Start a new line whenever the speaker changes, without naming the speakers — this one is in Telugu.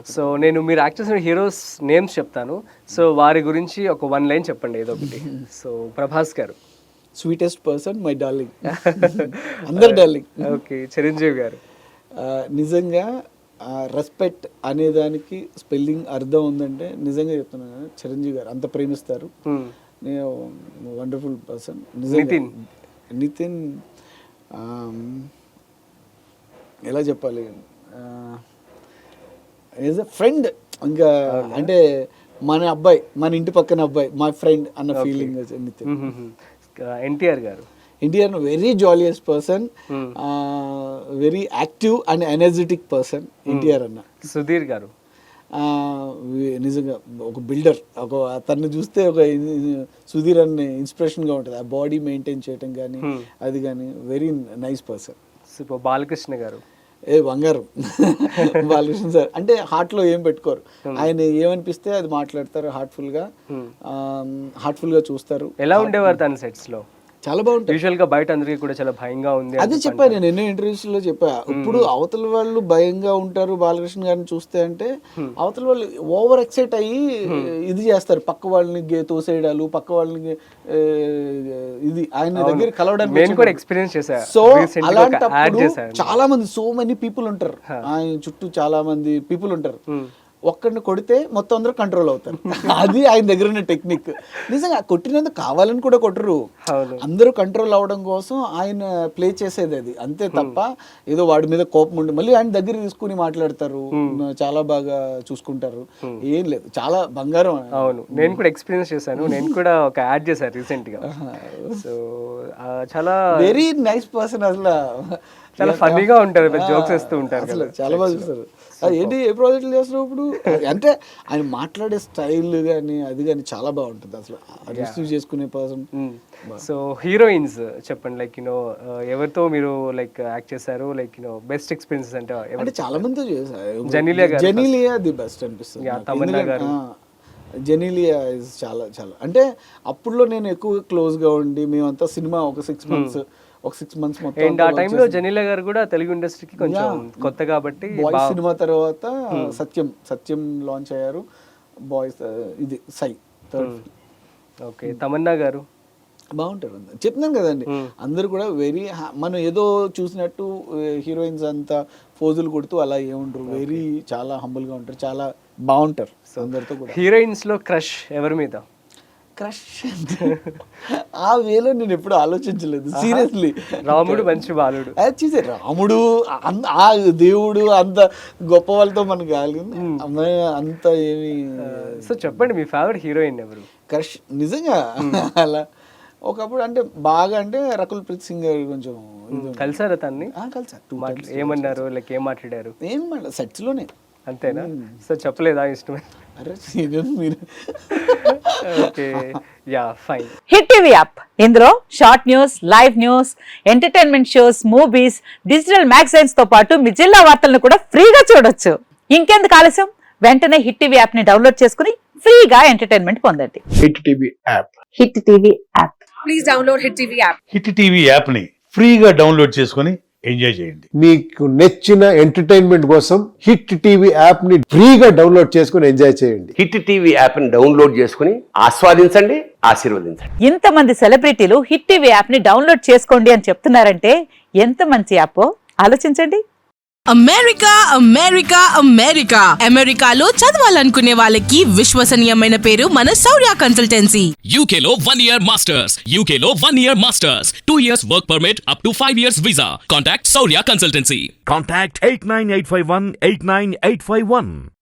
సో నేను మీరు యాక్ట్ చేసిన హీరోస్ నేమ్స్ చెప్తాను, సో వారి గురించి ఒక 1 లైన్ చెప్పండి ఏదో ఒకటి. So Prabhas garu.
Sweetest person my darling. అందరు డార్లింగ్.
ఓకే. చిరంజీవి గారు.
నిజంగా రెస్పెక్ట్ అనేదానికి స్పెల్లింగ్ అర్థం ఉందంటే నిజంగా చెప్తున్నాను కదా, చిరంజీవి గారు అంత ప్రేమిస్తారు. నేను వండర్ఫుల్ పర్సన్. నితిన్ ఎలా చెప్పాలి, ఈజ్ ఎ ఫ్రెండ్. ఇంకా అంటే మన అబ్బాయి, మన ఇంటి పక్కన అబ్బాయి, మై ఫ్రెండ్ అన్న feeling Nithin.
NTR garu.
NTR very jolliest person, very active and energetic person NTR అన్న.
సుధీర్ గారు.
నిజంగా ఒక బిల్డర్. ఒక తను చూస్తే ఒక సుధీర్ అనే ఇన్స్పిరేషన్గా ఉంటుంది. ఆ బాడీ మెయింటైన్ చేయటం కానీ అది కానీ వెరీ నైస్ పర్సన్.
బాలకృష్ణ గారు.
బంగారం. బాలకృష్ణ సార్ అంటే హార్ట్లో ఏం పెట్టుకోరు, ఆయన ఏమనిపిస్తే అది మాట్లాడతారు. హార్ట్ఫుల్గా చూస్తారు.
ఎలా ఉండేవారు తన సెట్స్ లో?
చాలా బాగుంటుంది.
యూజువల్ గా బయట అందరికీ కూడా చాలా భయంగా ఉంది.
అదే చెప్పాను నేను ఎన్నో ఇంటర్వ్యూస్ లో చెప్పా. ఇప్పుడు అవతల వాళ్ళు భయంగా ఉంటారు బాలకృష్ణ గారిని చూస్తే అంటే, అవతల వాళ్ళు ఓవర్ ఎక్సైట్ అయ్యి ఇది చేస్తారు, పక్క వాళ్ళని తోసేయడాలు, పక్క వాళ్ళని ఇది ఆయన దగ్గర కలవడానికి
ఎక్స్పీరియన్స్ చేశా.
సో అలాంటప్పుడు చాలా మంది, సో మెనీ పీపుల్ ఉంటారు ఆయన చుట్టూ, చాలా మంది పీపుల్ ఉంటారు. ఒక్కడిని కొడితే మొత్తం అందరూ కంట్రోల్ అవుతారు. అది ఆయన దగ్గర ఉన్న టెక్నిక్. నిజంగా కొట్టినందుకు కావాలని కూడా కొట్టరు, అందరూ కంట్రోల్ అవడం కోసం ఆయన ప్లే చేసేది అది అంతే తప్ప ఏదో వాడి మీద కోపం ఉండి మళ్ళీ ఆయన దగ్గర తీసుకుని మాట్లాడతారు, చాలా బాగా చూసుకుంటారు. ఏం లేదు, చాలా బంగారం.
అవును, నేను కూడా ఎక్స్పీరియన్స్ చేశాను. నేను కూడా ఒక యాడ్ చేశాను రీసెంట్ గా. సో చాలా
వెరీ నైస్ పర్సన్. అసలు
చాలా ఫన్నీగా ఉంటారు, జోక్స్ వేస్తూ ఉంటారు.
చాలా బాగా చూస్తారు. ఏంటి ఏ ప్రాజెక్టులు చేస్తున్నారు ఇప్పుడు అంటే ఆయన మాట్లాడే స్టైల్ కానీ అది కానీ చాలా బాగుంటుంది. అసలు రిసీవ్ చేసుకునే పర్సన్.
సో హీరోయిన్స్ చెప్పండి, లైక్ ఎవరితో మీరు లైక్ యాక్ట్ చేశారు, లైక్ బెస్ట్ ఎక్స్పీరియన్సెస్ అంటే
చాలా మందితో చేశారు.
జెనీలియా
ది బెస్ట్ అనిపిస్తుంది.
తమన్నా గారు.
జెనీలియా ఇస్ చాలా చాలా అంటే అప్పుడులో నేను ఎక్కువ క్లోజ్గా ఉండి మేమంతా సినిమా ఒక 6 months
మొత్తం. ఆ టైంలో జెనీలియా గారు కూడా తెలుగు ఇండస్ట్రీకి కొంచెం కొత్త కాబట్టి
బాయ్స్ సినిమా తర్వాత సత్యం లాంచ్ అయ్యారు. బాయ్స్ ఇది సై థర్డ్.
ఓకే. తమన్నా గారు
బాగుంటారు. చెప్తున్నాను కదండి, అందరు కూడా వెరీ మనం ఏదో చూసినట్టు హీరోయిన్స్ అంతా ఫోజులు కొడుతూ అలా ఏముంటారు, వెరీ చాలా హంబుల్గా ఉంటారు, చాలా బాగుంటారు అందరితో కూడా.
హీరోయిన్స్ లో క్రష్ ఎవరి మీద?
క్రష్ ఆ వేలో నేను ఎప్పుడు ఆలోచించలేదు సీరియస్లీ.
రాముడు మంచి బాలుడు.
చూసే రాముడు ఆ దేవుడు అంత గొప్ప వాళ్ళతో మనకు కాలేదు అమ్మాయి అంత ఏమి.
సో చెప్పండి మీ ఫేవరెట్ హీరోయిన్ ఎవరు?
క్రష్ నిజంగా అలా ఒకప్పుడు అంటే బాగా అంటే రకుల్ ప్రీత్ సింగ్ గారు. కొంచెం
కలిసారా తన్ని?
కలిసారు.
ఏమన్నారు, లైక్ ఏం మాట్లాడారు?
ఏం సెట్స్ లోనే.
అంతేనా? సో చెప్పలేదా ఇష్టమే?
మీరు
okay, yeah fine.
Hit TV app, ఇందులో short news, live news, entertainment shows, movies, digital magazines తో పాటు మీ జిల్లా వార్తలను కూడా ఫ్రీగా చూడొచ్చు. ఇంకెందుకు ఆలస్యం, వెంటనే హిట్ టీవీ యాప్ ని డౌన్లోడ్ చేసుకుని ఫ్రీగా ఎంటర్టైన్మెంట్ పొందండి.
Hit TV app.
Hit TV app.
Please download hit TV app.
Hit TV app ని ఫ్రీగా డౌన్లోడ్ చేసుకుని ఎంజాయ్ చేయండి.
మీకు నచ్చిన ఎంటర్టైన్మెంట్ కోసం హిట్ టీవీ యాప్ ని ఫ్రీగా డౌన్లోడ్ చేసుకుని ఎంజాయ్ చేయండి.
హిట్ టీవీ యాప్ ని డౌన్లోడ్ చేసుకుని ఆస్వాదించండి, ఆశీర్వదించండి.
ఇంతమంది సెలబ్రిటీలు హిట్ టీవీ యాప్ ని డౌన్లోడ్ చేసుకోండి అని చెప్తున్నారంటే ఎంత మంచి యాప్ ఆలోచించండి.
అమెరికా అమెరికా అమెరికా అమెరికాలో చదవాలనుకునే వాళ్ళకి విశ్వసనీయమైన పేరు మన శౌర్య కన్సల్టెన్సీ.
UK లో 1 year masters. UK లో 1 year masters. 2 years work permit up to 5 years visa. Contact Saurya Consultancy.
Contact 89851 89851.